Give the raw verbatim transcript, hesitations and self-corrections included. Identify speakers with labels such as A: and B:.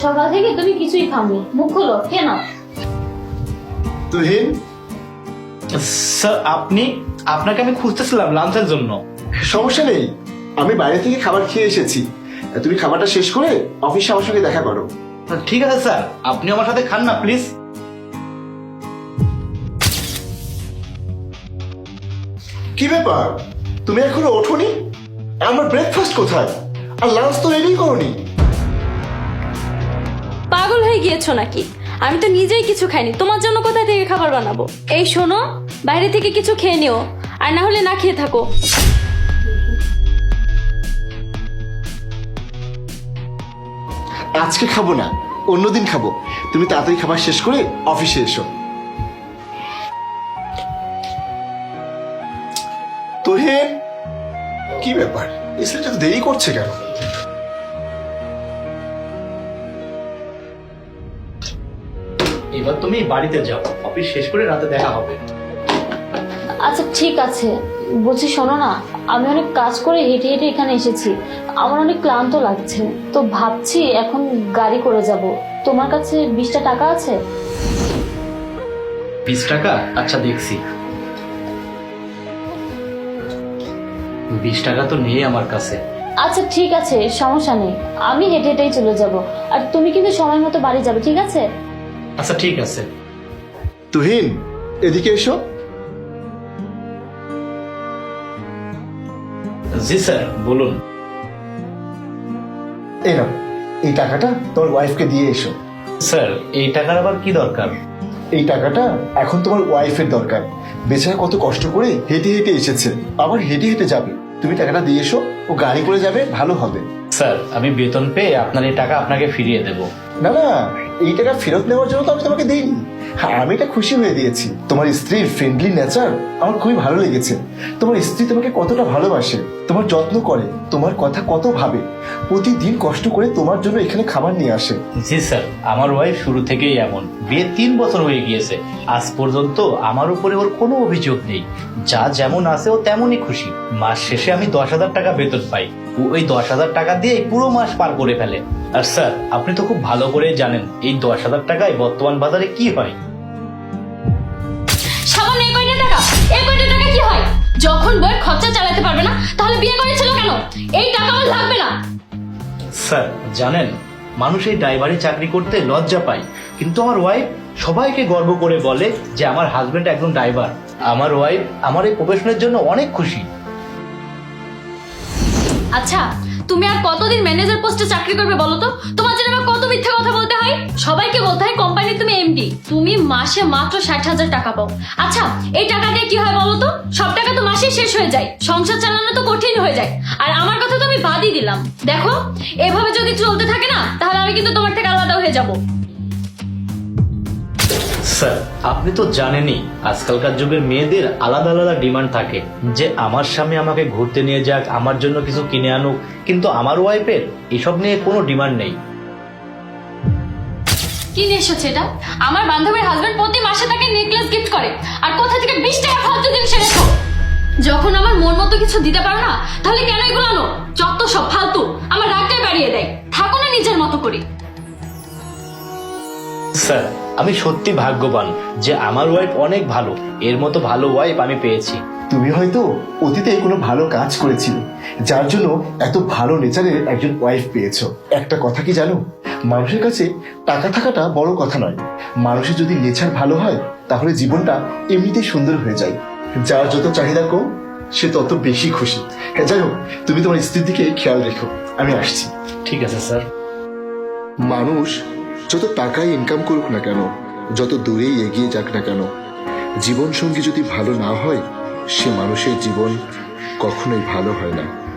A: সকাল থেকে তুমি কিছুই খাওনি, মুখ খোলো, খেয়ে নাও।
B: তুহিন,
C: স্যার আপনি, আপনাকে আমি খুঁজতেছিলাম লাঞ্চের জন্য।
B: সমস্যা নেই, আমি বাইরে থেকে খাবার খেয়ে এসেছি। তুমি খাবারটা শেষ করে অফিসে আমার সঙ্গে দেখা করো।
C: ঠিক আছে স্যার, আপনি আমার সাথে খান না প্লিজ।
B: কি ব্যাপার, তুমি এখনো ওঠোনি? আমার ব্রেকফাস্ট কোথায়? আর লাঞ্চ তো রেডি করোনি।
A: পাগল হয়ে গিয়েছো নাকি? আমি তো নিজেই কিছু খাইনি, তোমার জন্য কোথায় থেকে খাবার বানাবো? এই শোনো, বাইরে থেকে কিছু খেয়ে নিও, আর না হলে না খেয়ে থাকো।
B: আজকে খাবো না, অন্যদিন খাবো। তুমি তাড়াতাড়ি খাবার শেষ করে অফিসে এসো। তুহিন, কি ব্যাপার, এই ছেলেটা তো দেরি করছে কেন?
C: এবার তুমি বাড়িতে যাও, অফিস শেষ করে রাতে দেখা হবে।
A: আচ্ছা ঠিক আছে, বলছি শোনো না, আমি অনেক কাজ করে হেঁটে হেঁটে এখানে এসেছি, আমার অনেক ক্লান্ত লাগছে, তো ভাবছি এখন গাড়ি করে যাব। তোমার কাছে বিশটা টাকা আছে?
C: বিশ টাকা? আচ্ছা দেখছি। বিশ টাকা তো নেই আমার কাছে।
A: আচ্ছা ঠিক আছে, সমস্যা নেই, আমি হেঁটে হেঁটেই চলে যাব, আর তুমি কিন্তু সময় মতো বাড়ি যাবে, ঠিক আছে?
C: আচ্ছা ঠিক আছে।
B: তুহিন, এদিকে এসো।
C: জি স্যার, বলুন।
B: এই নাও, এই টাকাটা তোমার ওয়াইফকে দিয়ে এসো।
C: স্যার এই টাকার আবার কি দরকার?
B: এই টাকাটা এখন তোমার ওয়াইফের দরকার। বেচারা কত কষ্ট করে হেঁটে হেঁটে এসেছে, আবার হেঁটে হেঁটে যাবে। তুমি টাকাটা দিয়ে এসো, ও গাড়ি করে যাবে, ভালো হবে।
C: স্যার আমি বেতন পেয়ে আপনার এই টাকা আপনাকে ফিরিয়ে দেব।
B: না না, এই টাকা ফেরত নেওয়ার জন্য তো আমি তোমাকে দিইনি। হ্যাঁ, আমি এটা খুশি হয়ে দিয়েছি। তোমার স্ত্রীর ফ্রেন্ডলি নেচার আমার খুবই ভালো লেগেছে। তোমার স্ত্রী তোমাকে কতটা ভালোবাসে, তোমার যত্ন করে, তোমার কথা কত ভাবে, প্রতিদিন কষ্ট করে তোমার জন্য এখানে খাবার নিয়ে আসে।
C: জি স্যার, আমার ওয়াইফ শুরু থেকেই এমন। বিয়ে তিন বছর হয়ে গিয়েছে, আজ পর্যন্ত আমার উপরে ওর কোনো অভিযোগ নেই। যা যেমন আছে ও তেমনই খুশি। মাস শেষে আমি দশ হাজার টাকা বেতন পাই, ও ওই দশ হাজার টাকা দিয়ে পুরো মাস পার করে ফেলে। আর স্যার আপনি তো খুব ভালো করে জানেন এই দশ হাজার টাকায় বর্তমান বাজারে কি হয়।
A: সামান্য এই কয়টা টাকা, এই কয়টা টাকা কি হয়? যখন বই খরচা চালাতে পারবে না, তাহলে বিয়ে করেছিল কেন? এই টাকা আমার লাগবে না।
C: স্যার জানেন, মানুষ এই ড্রাইভারি চাকরি করতে লজ্জা পায়, কিন্তু আমার ওয়াইফ সবাইকে গর্ব করে বলে যে আমার হাজবেন্ড একজন ড্রাইভার। আমার ওয়াইফ আমার এই প্রফেশনের জন্য অনেক খুশি।
A: আচ্ছা, তুমি আর কতদিন ম্যানেজার পোস্টে চাকরি করবে বলো তো? তোমার জন্য আমার কত মিথ্যা কথা বলতে হয়? সবাইকে বলতে হয় কোম্পানির তুমি এমডি, তুমি মাসে মাত্র ষাট হাজার টাকা পাও। আচ্ছা এই টাকা দিয়ে কি হয় বলো তো? সব টাকা তো মাসে শেষ হয়ে যায়, সংসার চালানো তো কঠিন হয়ে যায়। আর আমার কথা তো আমি বাদই দিলাম। দেখো, এভাবে যদি চলতে থাকে না, তাহলে আমি কিন্তু তোমার থেকে আলাদা হয়ে যাব।
C: স্যার আপনি তো জানেনই আজকালকার যুগের মেয়েদের আলাদা আলাদা ডিমান্ড থাকে, যে আমার স্বামী আমাকে ঘুরতে নিয়ে যাক, আমার জন্য কিছু কিনে আনুক, কিন্তু আমার ওয়াইফের এসব নিয়ে কোনো ডিমান্ড নেই।
A: কি নিয়ে এসেছে এটা? আমার বান্ধবীর হাজবেন্ড প্রতি মাসে তাকে নেকলেস গিফট করে, আর কোথা থেকে বিশ টাকা ফালতু জিনিস এনেছো? যখন আমার মন মতো কিছু দিতে পারো না, তাহলে কেন এগুলো আনো? যত সব ফালতু, আমার রাগটাই বাড়িয়ে দেয়। থাকো না নিজের মতো করে।
C: স্যার আমি সত্যি ভাগ্যবান যে আমার ওয়াইফ অনেক ভালো, এর মতো ভালো ওয়াইফ আমি পেয়েছি।
B: তুমি হয়তো অতীতে কোনো ভালো কাজ করেছিলে, যার জন্য এত ভালো নেচারের একজন ওয়াইফ পেয়েছো। একটা কথা কি জানো, মানুষের কাছে টাকা থাকাটা বড় কথা নয়। মানুষের যদি নেচার ভালো হয়, তাহলে জীবনটা এমনিতেই সুন্দর হয়ে যায়। যার যত চাহিদা কম, সে তত বেশি খুশি। হ্যাঁ, যাই হোক, তুমি তোমার স্ত্রীর দিকে খেয়াল রেখো, আমি আসছি।
C: ঠিক আছে স্যার।
B: মানুষ যত টাকাই ইনকাম করুক না কেন, যত দূরেই এগিয়ে যাক না কেন, জীবন সঙ্গী যদি ভালো না হয়, সে মানুষের জীবন কখনোই ভালো হয় না।